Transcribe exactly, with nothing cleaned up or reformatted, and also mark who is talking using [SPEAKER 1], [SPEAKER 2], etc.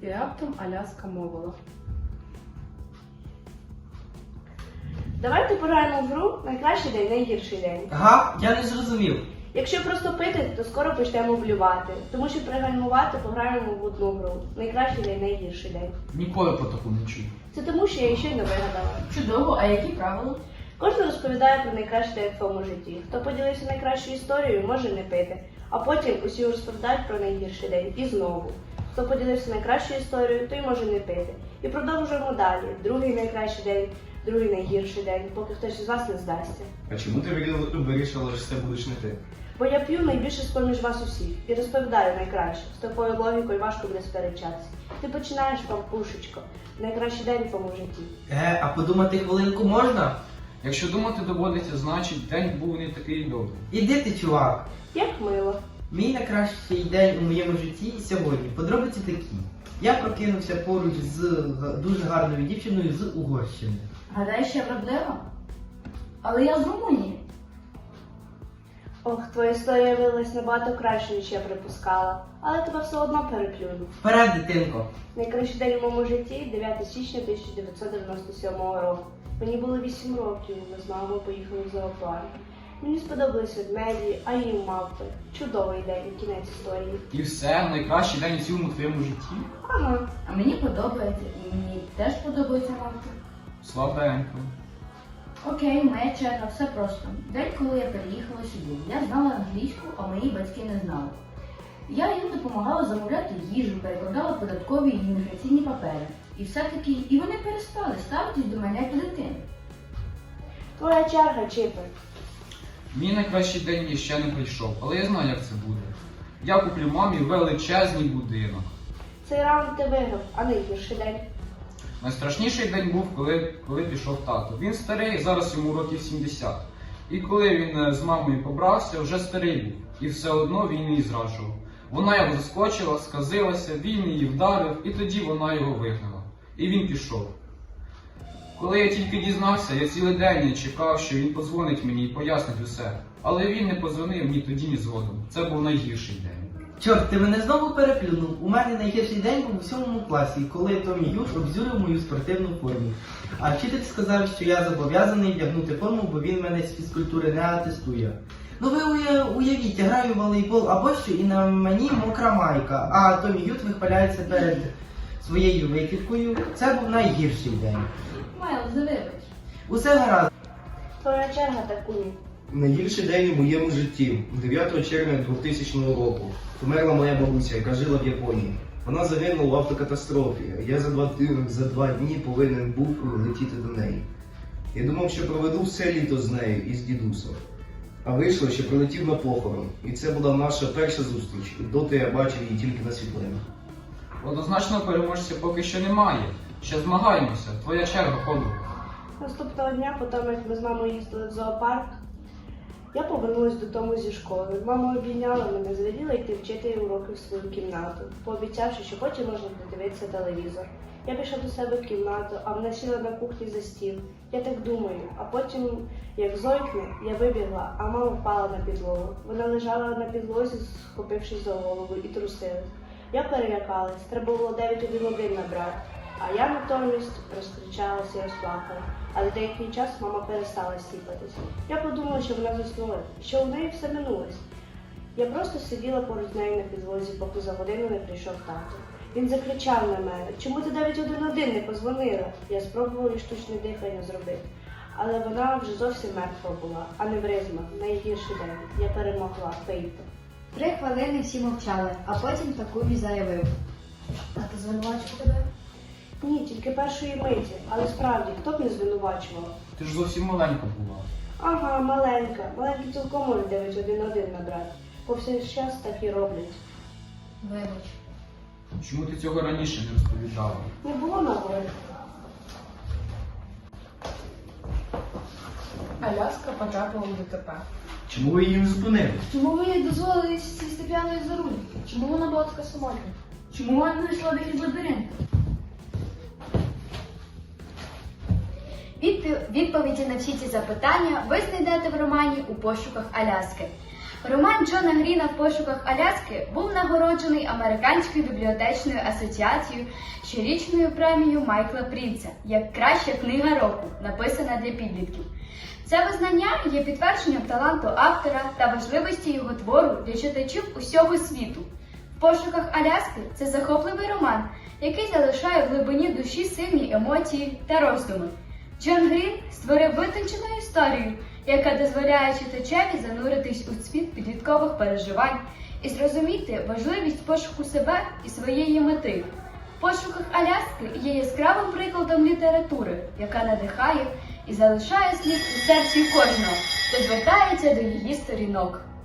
[SPEAKER 1] І раптом Аляска мовила.
[SPEAKER 2] Давайте пограємо в гру «Найкращий день, найгірший день».
[SPEAKER 3] Ага, я не зрозумів.
[SPEAKER 2] Якщо просто пити, то скоро почнемо блювати. Тому що пригальмувати пограємо в одну гру. Найкращий день, найгірший день.
[SPEAKER 4] Ніколи про таку не чув.
[SPEAKER 2] Це тому, що я її щойно вигадала.
[SPEAKER 1] Чудово, а які правила?
[SPEAKER 2] Кожен розповідає про найкращий день в своєму житті. Хто поділився найкращою історією, може не пити. А потім усі розповідають про найгірший день. І знову. Хто поділився найкращою історією, той може не пити. І продовжуємо далі. Другий найкращий день, другий найгірший день, поки хтось із вас не здасться.
[SPEAKER 5] А чому ти вирі- вирішила, що це будеш не ти?
[SPEAKER 2] Бо я п'ю найбільше з-поміж вас усіх і розповідаю найкраще. З такою логікою важко буде сперечатися. Ти починаєш, пампушечко. Найкращий день в твоєму житті.
[SPEAKER 3] Е, а подумати хвилинку можна?
[SPEAKER 4] Якщо думати доводиться, значить день був не такий добрий.
[SPEAKER 3] Іди ти, чувак.
[SPEAKER 2] Як мило.
[SPEAKER 3] Мій найкращий день у моєму житті сьогодні. Подробиці такі. Я прокинувся поруч з г- дуже гарною дівчиною з Угорщини.
[SPEAKER 1] Гадаєш, я вродлива? Але я з Румунії.
[SPEAKER 2] Ох, твоя історія виявилась набагато краще, ніж я припускала. Але тебе все одно переплюну.
[SPEAKER 3] Вперед, дитинко.
[SPEAKER 2] Найкращий день у моєму житті дев'яте січня тисяча дев'ятсот дев'яносто сьомого року. Мені було вісім років, ми з мамою поїхали в зоопарк. Мені сподобались ведмеді, а їм мавпи. Чудовий день, кінець історії.
[SPEAKER 4] І все, найкращий день у цілому твоєму житті.
[SPEAKER 2] Ага.
[SPEAKER 1] А мені подобається, і мені теж подобається мавки.
[SPEAKER 4] Слабенько.
[SPEAKER 1] Окей, моя черга, все просто. День, коли я переїхала сюди, я знала англійську, а мої батьки не знали. Я їм допомагала замовляти їжу, перекладала податкові і імміграційні папери. І все-таки, і вони перестали ставитись до мене як до дитини.
[SPEAKER 2] Твоя черга, Чіпер.
[SPEAKER 4] Мій найкращий день ще не прийшов, але я знаю, як це буде. Я куплю мамі величезний будинок.
[SPEAKER 2] Цей раунд ти виграв, а найгірший день.
[SPEAKER 4] Найстрашніший день був, коли, коли пішов тато. Він старий, зараз йому років сімдесят. І коли він е, з мамою побрався, вже старий був. І все одно він її зраджував. Вона його заскочила, сказилася, він її вдарив, і тоді вона його вигнала. І він пішов. Коли я тільки дізнався, я цілий день чекав, що він подзвонить мені і пояснить усе. Але він не подзвонив ні тоді, ні згодом. Це був найгірший день.
[SPEAKER 3] Чорт, ти мене знову переплюнув. У мене найгірший день був у сьомому класі, коли Томі Юж обзюрив мою спортивну форму. А вчитель сказав, що я зобов'язаний вдягнути форму, бо він мене з фізкультури не атестує. Ну ви уя- уявіть, я граю в волейбол або що, і на мені мокра майка, а Томі Ют вихваляється перед своєю викидкою. Це був найгірший день.
[SPEAKER 1] Майлз, не вибач.
[SPEAKER 3] Усе гаразд.
[SPEAKER 2] Твоя черга, Такуні.
[SPEAKER 5] Найгірший день у моєму житті. дев'ятого червня двохтисячного року. Померла моя бабуся, яка жила в Японії. Вона загинула в автокатастрофі. Я за два, ти- за два дні повинен був летіти до неї. Я думав, що проведу все літо з нею і з дідусом. А вийшло, що прилетів на похорон. І це була наша перша зустріч. І доти я бачив її тільки на світлинах.
[SPEAKER 4] Однозначного переможця поки що немає. Ще змагаємося. Твоя черга, подруга.
[SPEAKER 2] Наступного дня, потім як ми з мамою їздили в зоопарк, я повернулася додому зі школи. Мама обійняла мене, звеліла йти вчити уроки в свою кімнату, пообіцявши, що потім можна подивитися телевізор. Я пішла до себе в кімнату, а вона сіла на кухні за стіл. Я так думаю, а потім, як зойкне, я вибігла, а мама впала на підлогу. Вона лежала на підлозі, схопившись за голову, і трусилась. Я перелякалась, треба було дев'ять один один набрати. А я натомість розкричалася і розплакала. Але деякий час мама перестала сіпатися. Я подумала, що вона заснула, що у неї все минулось. Я просто сиділа поруч з нею на підлозі, поки за годину не прийшов тато. Він закричав на мене: «Чому ти дев'ять один один не позвонила?» Я спробувала штучне дихання зробити. Але вона вже зовсім мертва була, а не вризма. Найгірший день. Я перемогла. Пейто.
[SPEAKER 6] Три хвилини всі мовчали, а потім Такумі заявив.
[SPEAKER 1] А ти звинувачив тебе?
[SPEAKER 2] Ні, тільки першої миті. Але справді, хто б не звинувачував?
[SPEAKER 4] Ти ж зовсім маленька була.
[SPEAKER 2] Ага, маленька. Маленькі цілком можуть дев'ять один один набрати. Повсякчас так і роблять.
[SPEAKER 1] Вибач.
[SPEAKER 4] Чому ти цього раніше не розповідала?
[SPEAKER 2] Не було нагоди.
[SPEAKER 1] Аляска потрапила в ДТП.
[SPEAKER 5] Чому ви її не зупинили?
[SPEAKER 1] Чому ви їй дозволили сісти п'яною за руль? Чому вона була така самотня? Чому вона не знайшла вихід з лабіринту?
[SPEAKER 6] Відпі- Відповіді на всі ці запитання ви знайдете в романі «У пошуках Аляски».
[SPEAKER 7] Роман Джона Гріна «В пошуках Аляски» був нагороджений Американською бібліотечною асоціацією щорічною премією Майкла Прінца як краща книга року, написана для підлітків. Це визнання є підтвердженням таланту автора та важливості його твору для читачів усього світу. «В пошуках Аляски» – це захопливий роман, який залишає в глибині душі сильні емоції та роздуми. Джон Грін створив витончену історію, яка дозволяє читачеві зануритись у світ підліткових переживань і зрозуміти важливість пошуку себе і своєї мети. «В пошуках Аляски» є яскравим прикладом літератури, яка надихає і залишає слід у серці кожного, хто звертається до її сторінок.